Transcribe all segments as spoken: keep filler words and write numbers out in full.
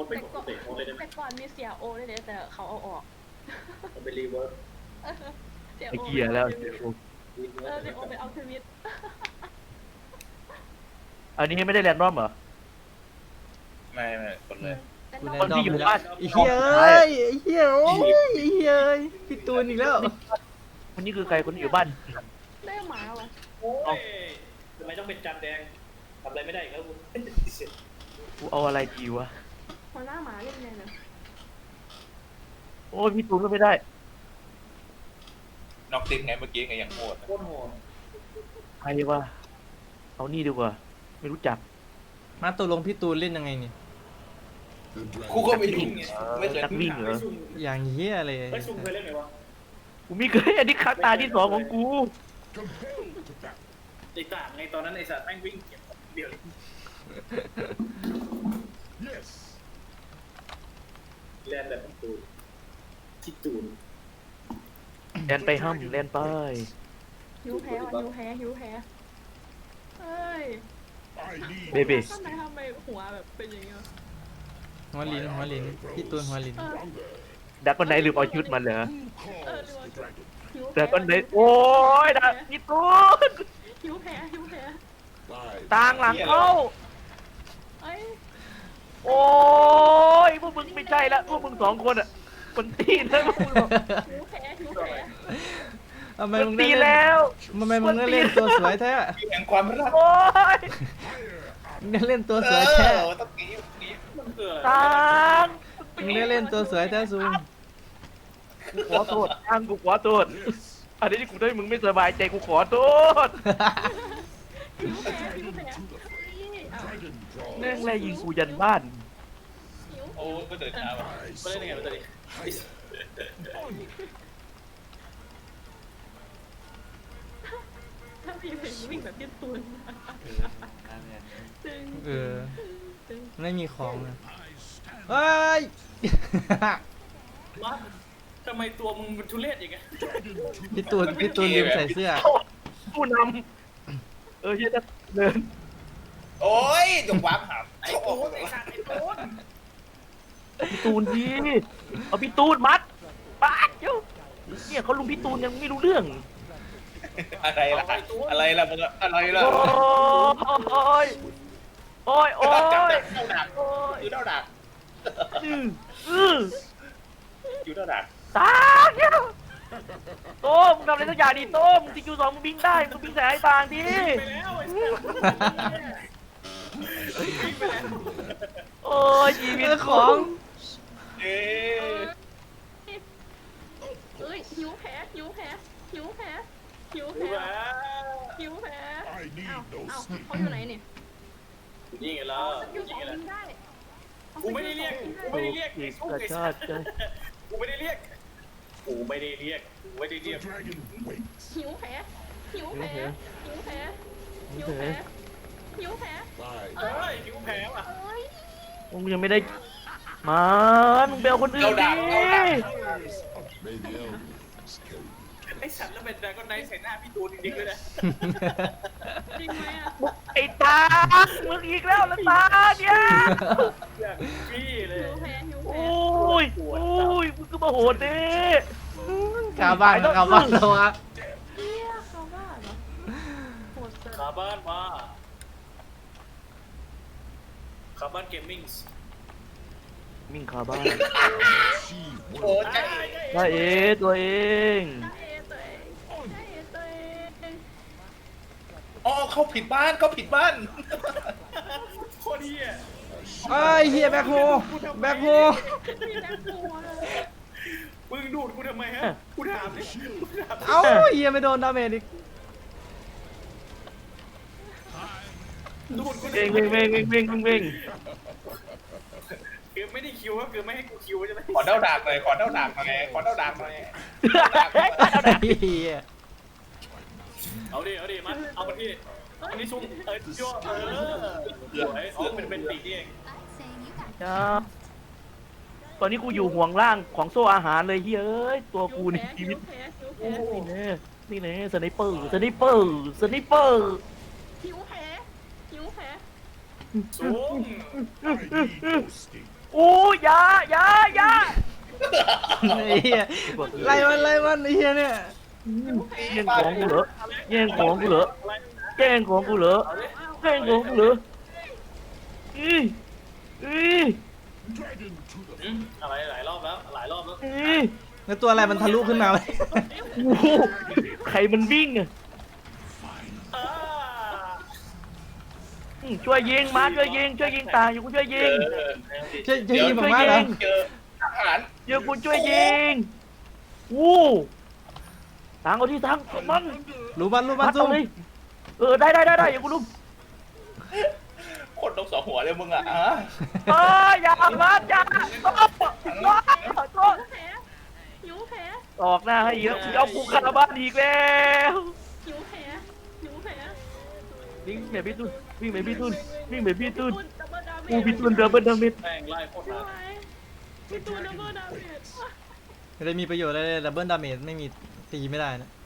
ว่าเป็นของเตะโอเลยได้ไหมแต่ก่อนมีเสียโอเลยเลยแต่เขาเอาออกมันเป็นรีเวิร์สเสียไอ้โอเกียร์แล้วเสียโอรีเวิเอร์อสเสียโอเป็นอัลเทอร์มิตอันนี้ไม่ได้แรนดอมเหรอไม่ไม่คนเลยกูคนที่อยู่บ้านไอ้เหี้ยเอ้ยไอ้เหี้ยโอ้ยไอ้เหี้ยเอ้ยพี่ตูนอีกแล้วคนนี้คือใครคนที่อยู่บ้านได้หมาวะโอ้ยทำไมต้องเป็นจานแดงทำอะไรไม่ได้อีกแล้วกูกูเอาอะไรดีวะหัวหน้าหมาเล่นไงเนี่ยโอ้ยพี่ตูนก็ไม่ได้น็อกติดไงเมื่อกี้ไงอย่างโหดโคตรโหดใครวะเอานี่ดีกว่า ไม่รู้จักมาตกลงพี่ตูนเล่นยังไงเนี่ยกูก็ไม่รู้ไงไม่เคยนักวิ่งเหรออย่างเหี้ยเลยไอ้ซุ่มเคยเล่นไหมวะกูไม่เคยอันนี้ครั้งตาที่สองของกูไอ้ต่างไงตอนนั้นไอ้สัตว์แม่งวิ่งเก็บเดียวเล่นแบบตูนที่ตูนแลนไปห้ามแลนไปหิวแพ้ว่ะหิวแพ้หิวแพ้เฮ้ยเบบีทำไมทำไมหัวแบบเป็นอย่างเงี้ยหัวลิ้นหัวลิ้นพี่ตูนหัวลิ้นเออดักคนไหนลืมเอาชุดมันเหรอเออหรือว่าหิวแพ้ดักคนไหนโอ้ยดักพี่ตูนหิวแพ้หิวแพ้ต่างหลังเข้าเอ้ยโอ้ยพวกมึงไม่ใช่ละพวกมึงสองคนอ่ะคนตีเลยพวกมึงบอกหิวแพ้หิวแพ้ทำไมคนมึงได้ตีเล่นแล้วทำไมมึงได้เล่นตัวสวยแท้แห่งความรักโอ้ยมึงได้เล่นตัวเอสวยแท้อต้องกี้กี้มันเกิดต่างมึงได้เล่นตัวสวยแท้ซูมกูขอโทษต่างกูขอโทษอันนี้ที่กูได้มึงไม่สบายใจกูขอโทษหิวแพ้หิวแพ้นี่เอาแม่งแลยิงกูยันบ้านหิวโอ้ก็เดินช้าว่ะไม่ได้ยังไงมันจะดิถ้ามีเพลงวิ่งแบบพี่ตูนจึงเออจึงไม่มีของนะเฮ้ยมาทำไมตัวมึงมันทุเรศอย่างเงี้ยพี่ตูนพี่ตูนลืมใส่เสื้อผู้นำเออเฮียจะเดินโอ้ยจงวางหามไอ้ตูนไอ้สัตว์ไอ้ตูนพี่ตูนดีเอาพี่ตูนมัดปาดเจ้าเนี่ยเขาลุมพี่ตูนยังไม่รู้เรื่องอะไรล่ะอะไรล่ะมึงอะไรล่ะโอ้ยโอ้ยโอ้ยจับโอ้ยเท่าดักโอ้ยอยู่เท่าดักอืออืออยู่เท่าดักตายเจ้าโต้มงทำอะไรสักอย่างดิโต้มทีคิวสองมึงบิงได้มึงบิงแสงไอ้ต่างดิไปแล้วไอ้สัตว์วิ่งไปแล้วโอ้ยชีวิตเออของเอ๊ะเอ้ยหิวแพ้หิวแพ้หิวแพ้หิวดูแพ้ว่าหิวแพ้เอ้าเอ้าเขาอยู่ไหนเนี่ยนี่ไงล่ะอยู่สนี่องไงล่ะบินได้กูไม่ได้เรียกกูไม่ได้เรียกอีไอ้กซุ่มกระไอ้ชาสัติตว์ใจกูไม่ได้เรียกกูไม่ได้เรียกกูไม่ได้เรียกหิวแพ้หิวแพ้หิวแพ้หิวแพ้หิวแพ้เอ้ยหิวแพ้ว่ะเอ้ยมึงยังไม่ได้มันมึงไปเอาคนอื่นเท่าดิดักเท่าดักไอ้สัตว์แล้วเป็นดราก้อนไนท์ใส่หน้าพี่ตูนจริงๆเลยนะจริงไหมอ่ะไอ้ตามึงอีกแล้วละตาเนี่ยอย่างพี่เลยหิวแพ้หิวโอแพ้้ยโอ้ยมึงก็มาโหดดิกาบ้านกาบ้านแล้ววะเฮียเขาว่าเหรอโหดจังขาบ้านมาขาบ้านเกมมิ่งมิ่งคาบ้านโอ้ยใจได้เอตัวเองได้เอตัวเองได้เอตัวเองอ๋อเขาผิดบ้านเขาผิดบ้านโคตรเฮียไอ้ยเฮียแบ็คโฮแบ็คโฮมีแบ็คโฮเลยมึงดูดกูทำไมฮะกูถามดิกูถามเอ้าเฮียไม่โดนดาเมจอีกดูดกูเว่งเว่งเว่งเว่งเว่งเว่งคือไม่ได้คิวก็คือไม่ให้กูคิวใช่ไหมขอเท่าดักหน่อยขอเท่าดักหน่อยขอเท่าดักหน่อยเฮียเอาดิเอาดิมันเอามาที่อันนี้ชุ่มเออชั่วเออสวยอ๋อเป็นเป็นปีกนี่เองจ้าตอนนี้กูอยู่ห่วงล่างของโซ่อาหารเลยเฮ้ยตัวกูในชีวิตหิวแพ้หิวโอ้แพ้นี่แน่นี่แน่สไนเปอร์สไนเปอร์สไนเปอร์หิวแพ้หิวแพ้สูงโอ้ยอยาอยาอยาไอ้เหี้ยไล่มันไล่มันไอ้เหี้ยเนี่ยแย่งของกูเหรอแย่งของกูเหรอแย่งของกูเหรอแย่งของกูเหรออีอีอืมอะไรหลายรอบแล้วหลายรอบแล้วอีแล้วตัวอะไรมันทะลุขึ้นมาไหมโอ้โหใครมันวิ่งอ่ะอ่าอืมช่วยยิงมาช่วยยิงช่วยยิงตายอยู่กูช่วยยิงช่วยช่วยยิงผมมากเหรอเจอทหารเดี๋ยวกูช่วยยิงวู้ทางเอาที่ทางมันรู้มันรู้มันมัดซุ่เอามเลยเออได้ได้ได้ได้อย่ากูลุมคนนกสองหัวเลยมึงอ่ะฮะเอออย่ามัดอย่าโต๊ะโต๊ะโต๊ะหิวแผลออกหน้าให้เยอะเอากูคาราบ้านอีกแล้วหิวแผลหิวแผลวิ่งแบบพี่ตุนวิ่งแบบพี่ตุนวิ่งแบบพี่ตุนดับเบิลดาเมจกูพี่ตุนเดินเบิลดามิดแม่งไล่โคตรนานพี่ตูนดับเบิลดาเมจไม่ได้มีประโยชน์อะไรเลยดับเบิลดาเมจไม่มีตีไม่ได้นะ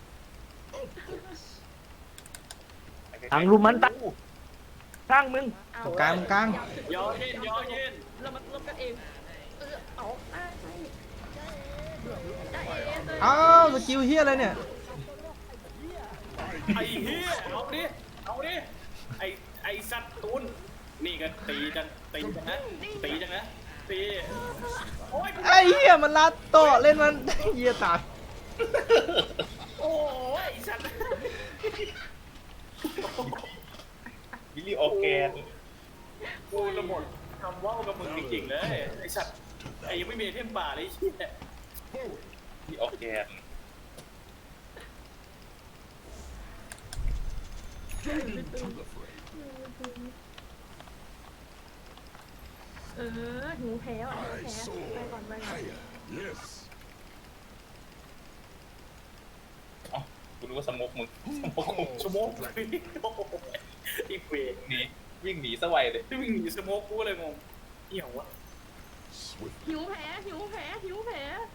ทางลุมมันตั้งสร้างมึงตรงกลางตรงกลางยอเย็นยอเย็นเรามาลบกันเองเออเอาได้ได้เอเลยอ้าวสกิลเฮียอะไรเนี่ยไอ้เหี้ยเอาดิเอาดิไอ้ไอ้สัตว์ตูนนี่ก็ตีจังตีจังนะตีจังนะตีโอ้ยไอ้เฮียมันลัดโตะเล่นมันเฮียตายโอ้ยไอ้สัตว์บิลลี่ออร์แกนกูระหมดคำว่าวกับมึงจริงๆเลยไอ้สัตว์ไอ้ยังไม่มีไอเทมป่าเลยไอ้เหี้ยบิลลี่ออร์แกนเออหิวแผลอ่ะหิวแผลไปก่อนไปก่อนอ๋อกูนึกว่าสมกมึงสมกมึงชั่วโมงอีกเวรหนีวิ่งหนีสวัยเลยที่วิ่งหนีสโมกกูเลยงงเหี้ยวะหิวแผลหิวแผลหิวแผล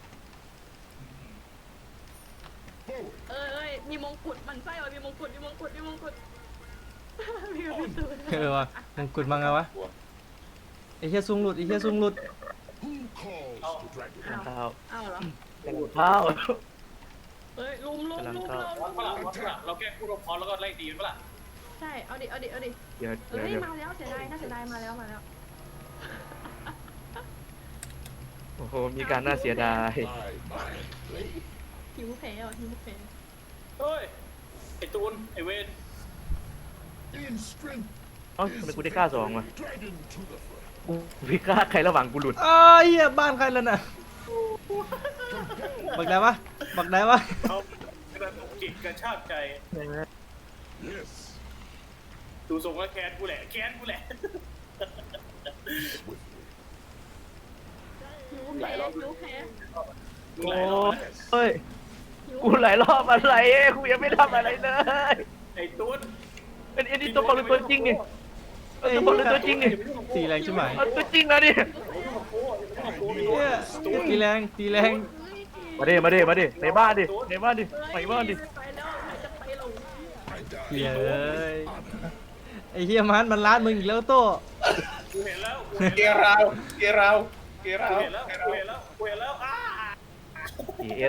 เอ้ยมีมงกุฎมันไส้ว่ะมีมงกุฎมีมงกุฎมีมงกุฎมีพี่ตูนเออวะมงกุฎมังไงวะไอ้เฮียซุงหลุดไอ้เฮียซุงหลุดเอาข้าวเอาเหรอข้าวเอ้ยลุมลุมลุมวัดปะล่ะวัดปะล่ะเราแก้คู่รบพอแล้วก็ไล่ตีมันปะล่ะใช่เอาดิเอาดิเอาดิเดี๋ยวเอ้เดี๋ยวย เดี๋ยวมาแล้วเสียดายน่าเสียดายมาแล้วมาแล้วโอ้โหมีการน่าเสียดายหิวแผลอ่ะหิวแผลเฮ้ยไอ้ตูนไอ้เวนเอ้าทำไมกูได้ฆ่าสองวะกูพี่ฆ่าใครระหว่างกูหลุดอ้าวเฮียบ้านใครแล้วน่ะบักได้ปะบักได้ปะเขากระตุกจิตกระชากใจดูทรงแล้วแค้นกูแหละแค้นกูแหละหิวแผลหิวแผลมึงโอ้หลายรอบนะเฮ้ย กูหลายรอบอะไรกูยังไม่ทำอะไรเลยไอ้ตูนเป็นเอ็นดี้ตัวปลอมหรือตัวจริงนี่เอาตัวปลอมหรือตัวจริงนี่ตีแรงใช่ไหมเอาตัวจริงนะนี่เฮียตีแรงตีแรงมาดิมาดิมาดิในบ้านดิในบ้านดิไปบ้านดิไปแล้วใครจะไปลงเฮียเอ้ยไอ้เฮียมันมันลัดมึงอีกแล้วโตะกูเห็นแล้วกูเกราวเกราวเกราเห็วนแล้วเกกูราวเห็นแล้วกูเห็นแล้วอ้าดีเอส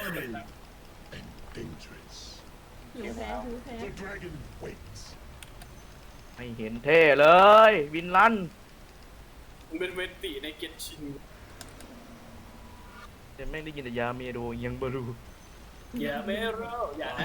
หิวแผลหิวแผลไม่เห็นเท่เลยวินลันมึงเป็นเวนตีในเกตชินแต่ไม่ได้ยินแต่ยาเมโดยังบรูอย่าไม่รออย่านะ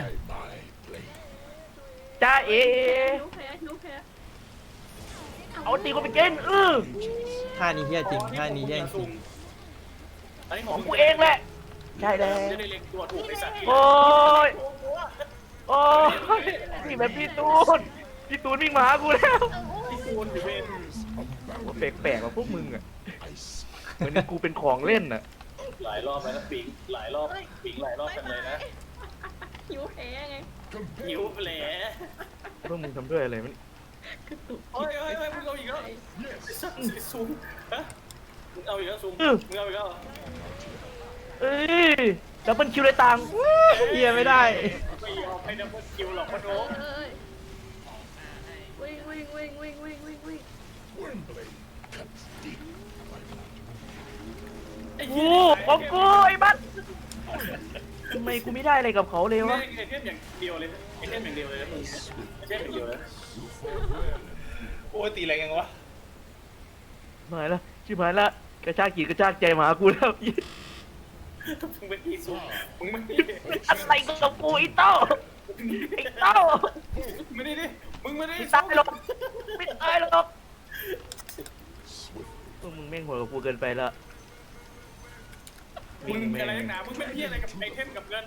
จ้าเอหิวแผลหิวแผลเอาตีกูไปเกณฑ์เออท่านี้เฮียจริงท่านี้แย่งจริงอันนี้ขขออง งมึกูเองแหละใช่แล้วจะได้เล็งตัวถูกไอ้สัตว์โอ้ยโอ้ยนี่แบบพี่ตูนพี่ตูนวิ่งมาหากูแล้วที่คูณอยู่เวนว่าแปลกๆว่าพวกมึงอ่ะเหมือนกูเป็นของเล่นอ่ะหลายรอบไปแล้วปิงหลายรอบปิงหลายรอบกันเลยนะหิวแผลไงหิวแผลพวกมึงทำด้วยอะไรมันกระตุกเฮ้ยเฮ้ยเฮ้ยมึงเอาอีกแล้วไอ้สัตว์ไอ้ซูมฮะมึงเอาอีกแล้วซูมมึงเอาอีกแล้วเอ้ยดับเบิลคิวเลยตังค์เฮียไม่ได้ไม่ยอมให้ดับเบิลคิวหรอกพะโนเอ้ยวิ่งวิ่งวิ่งวิ่งวิ่งวิ่งวิ่งไอ้กูเหี้ยของกูไอ้บัสทำไมกูไม่ได้อะไรกับเขาเลยวะไอเทมอย่างเดียวเลยไอเทมอย่างเดียวเลยนะมึงไอเทมอย่างเดียวเลยโอ้ยตีแรงยังวะหายละชิบหายละกระชากจีกระชากใจมาหากูแล้วมึงเป็นอีซูมึงไม่ได้อะไรกับกูไอ้เต้าไอ้เต้าไม่ได้ดิมึงไม่ได้ไม่ตายหรอกไม่ตายหรอกพวกมึงแม่งโหดกับกูเกินไปละมึงเป็นอะไรนักหนามึงเป็นเหี้ยอะไรกับไอเทมกับเงิน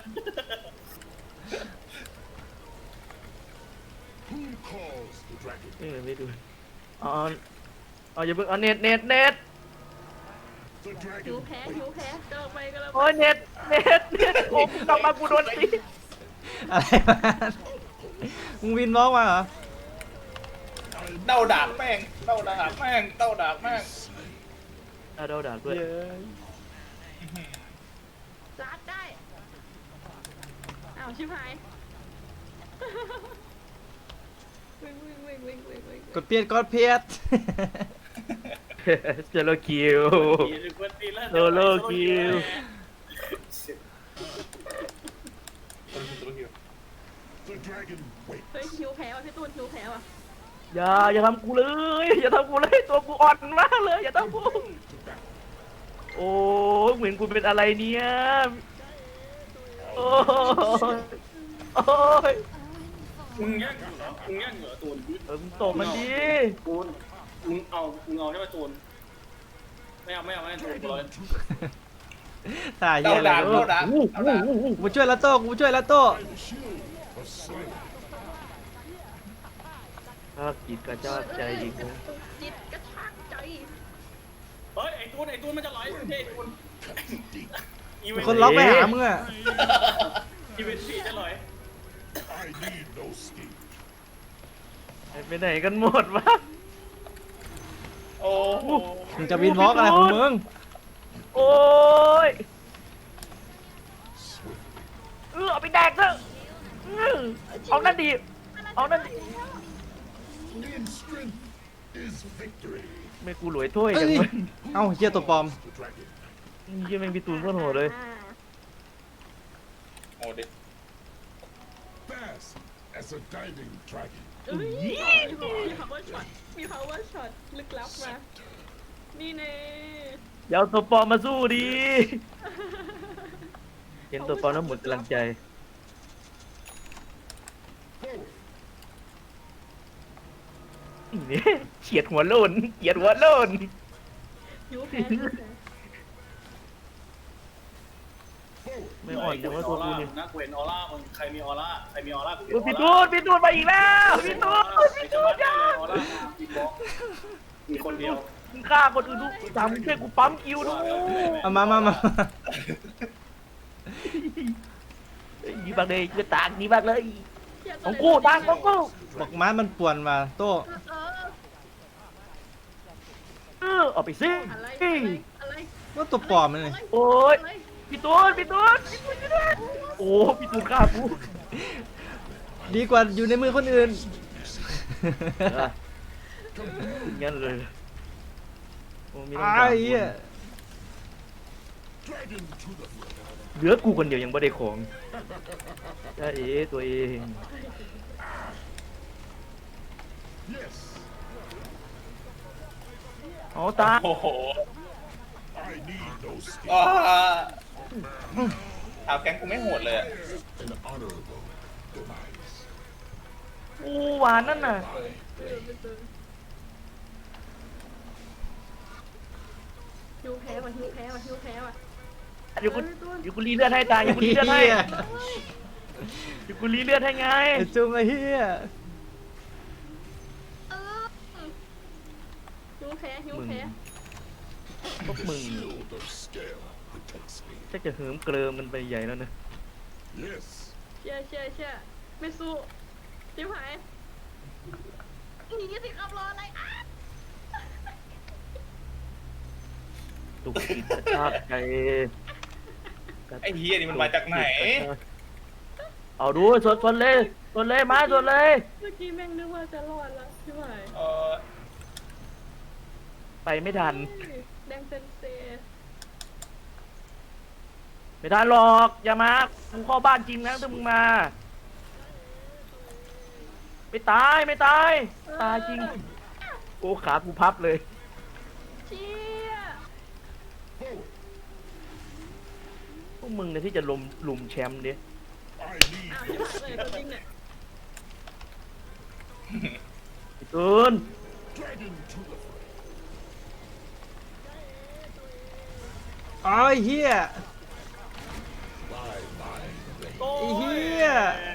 เออไม่ดูเอาเอาอย่าเพิ่งเอาเน็ตเน็ตเน็ตหิวแพ้หิวแพ้เดินไปก็แล้วโอ้ยเน็ตเน็ตเน็ตโอ้กูกลับมากูโดนตีอะไรมันมึงวินบล็อกมาเหรอเต้าดากแม่งเต้าดากแม่งเต้าดากแม่งเอาเดาด่าด้วยเย้ยรัดได้อ้าวชิบหายวิ่งวิ่งวิ่งวิ่งวิ่งวิ่งกดเพียดกดเพียดเจโลคิว โซโลคิวเฮ้ยหิวแพ้ว่ะพี่ตูนหิวแพ้ว่ะอย่าอย่าทำกูเลยอย่าทำกูเลยตัวกูอ่อนมากเลยอย่าทำกูโอ้เหมือนกูเป็นอะไรเนี่ยโอ้ยโอ้ยมึงแย่งอยู่เหรอมึงแย่งเหรอตูนเออมึงตบมันดิตูนมึงเอามึงเอาใช่ไหมตูนไม่เอาไม่เอาไม่เอาตูนกูเลยตายเหี้ยเต้าเลยดากเต้าดากอู้เต้าหูดากอู้หูกูช่วยละโต้กูช่วยละโต้ถ้ากิดกระจากใจอีกนะจิตกระชากใจเฮ้ยไอ้ตูนไอ้ตูนมันจะไหลไม่ใช่ไอ้ตูนอีเวนต์คนล็อกไปหามึงอะอีเวนต์สี่จะไหลไปไหนกันหมดวะโอ้โหมึงจะวินบล็อกอะไรของมึงโอ้ยเออเอาไปแดกเถอะอื้อเอานั่นดีเอานั่นดีไม่กูหลวยถ้วยเอ้จังยเลยเอ้าเฮียตัวปลอมเยี่ยแม่งพี่ตูนโคตรโหดเลยอ่าโอ้ดิ Fast as a diving dragon. เอ้ยมี power shot มี power shot ลึกลับมา นี่เน่อย่าเอาตัวปลอมมาสู้ดิเห็นตัวปลอมแล้วหมดกำลังใจนี่เฉียดหัวโลนเฉียดหัวโลนหิวแพ้หิวแพ้ไม่อ่อนแต่ว่าตัวกูเนี่ยนักเวนออร่ามึงใครมีออร่าใครมีออร่ากูโอ้ยพี่ตูนพี่ตูนมาอีกแล้วพี่ตูนพี่ตูนจ้าจ้าออร่ามีบล็อกมีคนเดียวมึงฆ่าคนอื่นดูสามช่วยกูปั๊มคิวดูเอามามามานี่บักเลยจะตากนี่บักเลยเหี้ยของกูตากของกูบอกม้ามันป่วนมาโต้เออเออเอาไปซิอะไรอะไรอะไรว่าตัวปลอมมันเลยโอ้ยอะไรพี่ตูนพี่ตูนพี่ตูนช่วยด้วยโอ้พี่ตูนฆ่ากูดีกว่าอยู่ในมือคนอื่นงั้นเลยโอ้มีต้องไอ้การเหี้ย Dragon to the front. เหลือกูคนเดียวยังไม่ได้ของจ้าเอ๋ตัวเอง Yes, เอาตาโอ้โห I need no skin. อ่าถามแกงกูไม่โหดเลยอะ An honorable demise. อู้หวานนั่นน่ะหิวแพ้ว่ะหิวแพ้ว่ะหิวแพ้ว่ะเดี๋ยวกูเดี๋ยวกูรีเลือดให้ตายเดี๋ยวกูรีเลือดให้เหี้ยเดี๋ยวกูรีเลือดให้ไงไอ้จุงไอ้เหี้ยเออหิวแพ้หิวแพ้พวกมึง Shield of scale protects me. จะจะเหิมเกริมกันไปใหญ่แล้วนะ Yes, เชี่ยเชี่ยเชี่ยไม่สู้ชิบหายหนีสิครับรออะไรอ่ะตุกติดกระชากใจไอ้เฮียนี่มันมาจากไหนเอาดูสดสดเลยสดเลยมาสดเลยเมื่อกี้แม่งนึกว่าจะรอดแล้วชิบหายเออไปไม่ทันแดงเซนเซไม่ได้หรอกอย่ามากูเข้าบ้านจริงนะถ้ามึงมาไม่ตายไม่ตายตายจริงโอ้ขากูพับเลยเชี่ยพวกมึงเนี่ยที่จะลุมลุมแชมป์ดิ I need อ้าว no ชิบหายเลยตัวจริงเนี่ยไอ้ตูน dragon to the fray. อ๋อไอ้เฮีย By my blade. โอ้ไอ้ยเหี้ย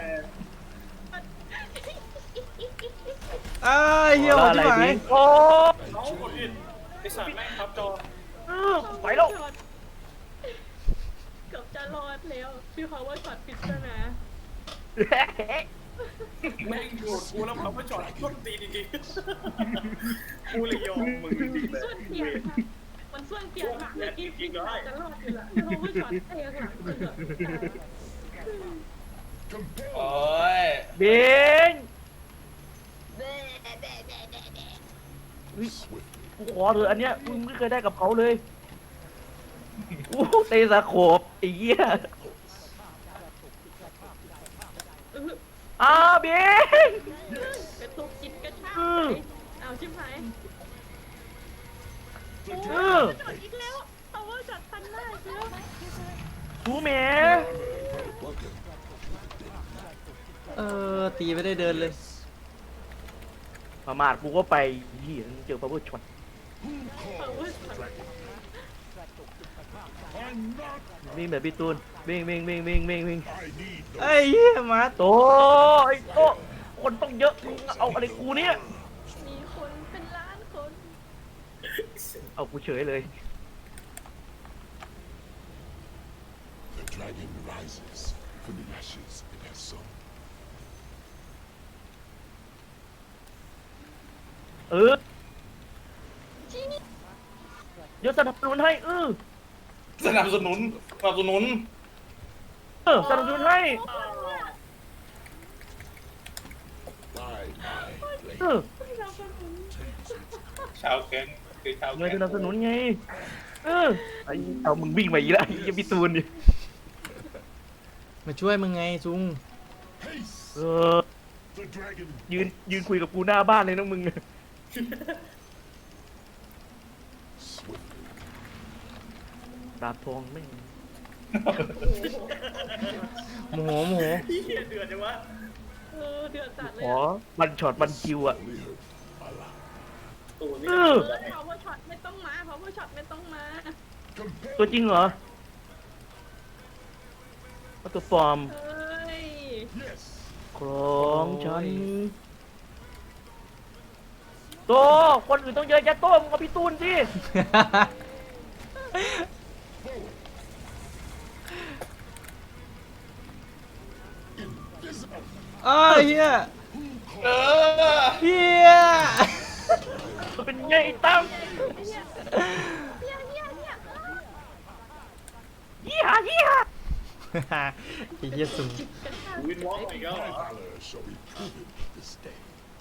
อ้าวไอ้เฮียโหดอะไรที่ไหนดีโอ้น้องคนอื่นไอสัตว์แม่งครับจอเออไปแล้วเกือบจะรอดแล้วชื่อเขาว่าช็อตปริศนาแม่งโดดกูแล้วเขาไม่จอดต้นตีนจริงๆกูเลยยอมมึงจริงๆเลยส่วนเปียกค่ะมันส่วนเปียกค่ะเมื่อกี้พี่อาจจะรอดอยู่ละชื่อเขาว่าช็อตเตะหลังเกือบ Compel โอ้ยเบง swiftly. กูขอเถอะอันเนี้ยมึงไม่เคยได้กับเขาเลยอู้เตะสะโขบไอ้เหี้ยอ้าเบงกระตุกกินกระชากอืมเอาชิบหายเออช็อตอีกแล้วเขาว่าช็อตทันหน้าเชียวทูแหม Welcome. เออตีไม่ได้เดินเลยประมาทกูก็ไปเหี้ยเจอพาวเวอร์ช็อต Who เขาว่า calls ช็อต dragon? I'm not. วิ่งแบบพี่ตูนวิ่งวิ่งวิ่งวิ่งวิ่งวิ่ง I need no ไอ้เฮียมาร์ทโตไอ้โตคนต้องเยอะมึงเอาอะไรกูเนี่ยมีคนเป็นล้านคนเอากูเฉยเลย The dragon rises from the ashes it has sown. เออเดี๋ยวสนับสนุนให้เออสนับสนุนสนับสนุนเออสนับสนุนให้ By my blade. เออชาวแก๊งคือชาวเงิแก๊นงสนับสนุนไงเออไอ้เอามึงวิ่งมาอีกแล้วไอ้พี่ตูนดิมาช่วยมึงไงซุง Haste. เออ The dragon. ยืนยืนคุยกับกูหน้าบ้านเลยนะมึง Swiftly. ดาบทองแม่งโมโหโมโหเฮียเดือดจังวะเออเดือดจัดเลขยออะบันช็อตบันคิวอ่ะ Live alive. ตูนี่เออเออ power shot ไม่ต้องมา power shot ไม่ต้องมา Compel. ตัวจริงเหรอเอาตัวปลอมเฮ้ย Yes. ของฉันโตคนอื่นต้องเยอะแยะโตมึงกับพี่ตูนสิ Invisible. อ้าวเฮียเออเฮียมันเป็นไงไอ้ตั้มเฮียเฮียเฮียเฮียเฮียไอ้เฮียซุงวินวอล์กอีกแล้วเหร My อ valor shall be proven this day.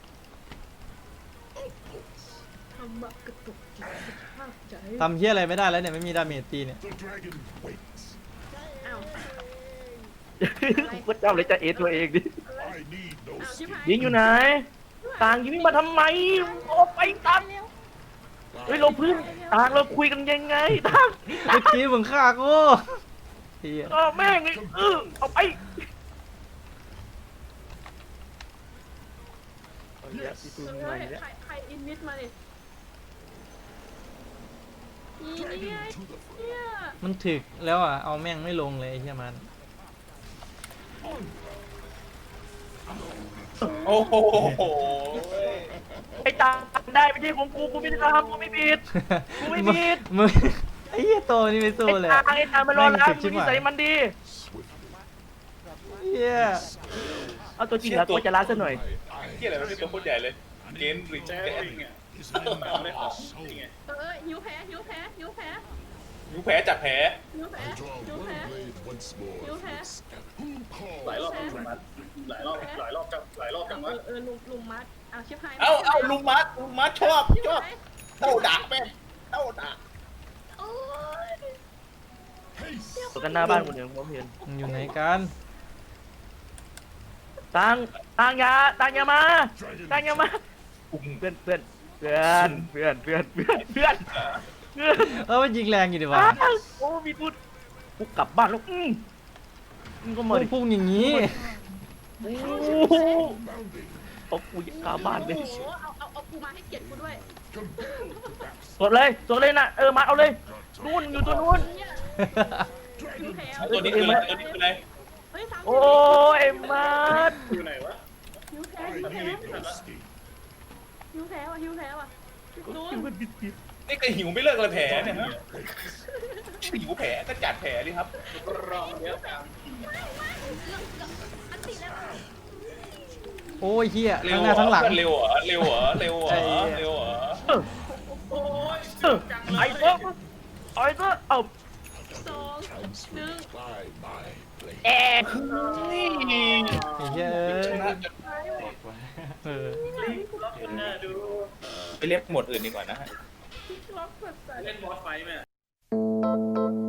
Of course. ทำบักกระตุกจิตภาพใจทำเฮียอะไรไม่ได้แล้วเนี่ยไม่มีดาเมจตีเนี่ย The dragon waits. อ้าวกูก็จำเลยจะเอตัวเองดิ I need no อ้าวชิบ skill. หายยิงอยู่ไหนต่างยิงมาทำไมออกไปตังเร็วเฮ้ยเราเพื่อนต่างเราคุยกันยังไงต่างเมื่อกี้มึงฆ่ากูเฮียเออแม่งไอ้เออเอาไปเอาอีกแล้วพี่ตูนเฮ้มาย อีกแล้วใครใครอินวิทมาดินี่เนี่ย To the fray. เนี่ยมันถึกแล้วอ่ะเอาแม่งไม่ลงเลยไอ้เฮียมันโอ้โหไอ้ต่างได้ไม่ใช่ของกูกูไม่ได้ทำกูไม่ผิด กูไม่ผิดมึงไอ้เหี้ยโตนี่ไม่สู้ไอ้เลยต่างไอ้ต่างมันรอแล้วแม่งมึถึงกนิชิบสัยหายมันดี Swiftly. เหี้ยเอาตัวจริงเหรอตัวจะล้าซะหน่อยเกี่ยอะไรมันเป็นตัวโคตรใหญ่เลย เกนริแจ๊แกสนริงอ่ะ His เอา name ได้ is ของ soul. จริงไงเออหิวแพ้หิวแพ้หิวแพ้ยูแผลจับแผลหิวแพ้ I draw หิว one แพ้ blade once more You from have- its scabbard. Who หลายรอบ calls จัง dragon? มันหลายรอบหลายรอบจังหลายรอบจังเอวะอเออลุมลุมมัดอ้าวชิบหายเอ้าเอ้าลุงมัดลุงมัดชอบชิบชอบหายเต้าด่าแม่งเต้าด่าโอ้ยตัวกันหน้าบ้านกูเนี่ยผมเห็นมึงอยู่ไหนกันตังตังอยาตังอยามาตังอยามาเพื่อนเพื่อนเพื่อนเพื่อนเพื่อนเพื่อนเพื่อนเพื่อนเออมันยิงแรงอยู่ดิวะอ้าวโอ้มีพูดกูกลับบ้านแล้วอืมมึงก็มาดิพุ่งอย่างนี้โอ้โหเอากูอยากกลับบ้านเลยโอ้โหเอาเอาเอากูมาให้เกียรติกูด้วยสดเลยสดเลยนะเออมาเอาเลยนู่นอยู่ตัวนู้นเนี่ยหิวแถวตัวนี้คืออะไรตัวนี้คืออะไรเฮ้ยสามสิบโอ้ยมาดอยู่ไหนวะหิวแถวหิวแถวหิวแถวอ่ะหิวแถวอ่ะนู้นนี่ก็หิวไม่เลิกเลยแผลเนี่ยฮะหิวแผลก็จัดแผลดิครับรอเดี๋ยวกันอันติแล้วโอ้ยเฮียเร็ทั้วงหเหรน้าอทั้งหลังเร็วเหรอเร็วเหรอเร็วเหรอไอ้เหี้ยเร็วเหรอเออโอ้ยเออจังเลยไอ้ตัวไอ้ตัวเอาสองหนึ่ง By my blade. แอบไอ้เฮียเอ้ชยนะจนเออลิงล็อกกันหน้าดูไปเรียกหมวดอื่นดีกว่านะฮะล็อกกดใส่เล่นบอสไฟท์ไหม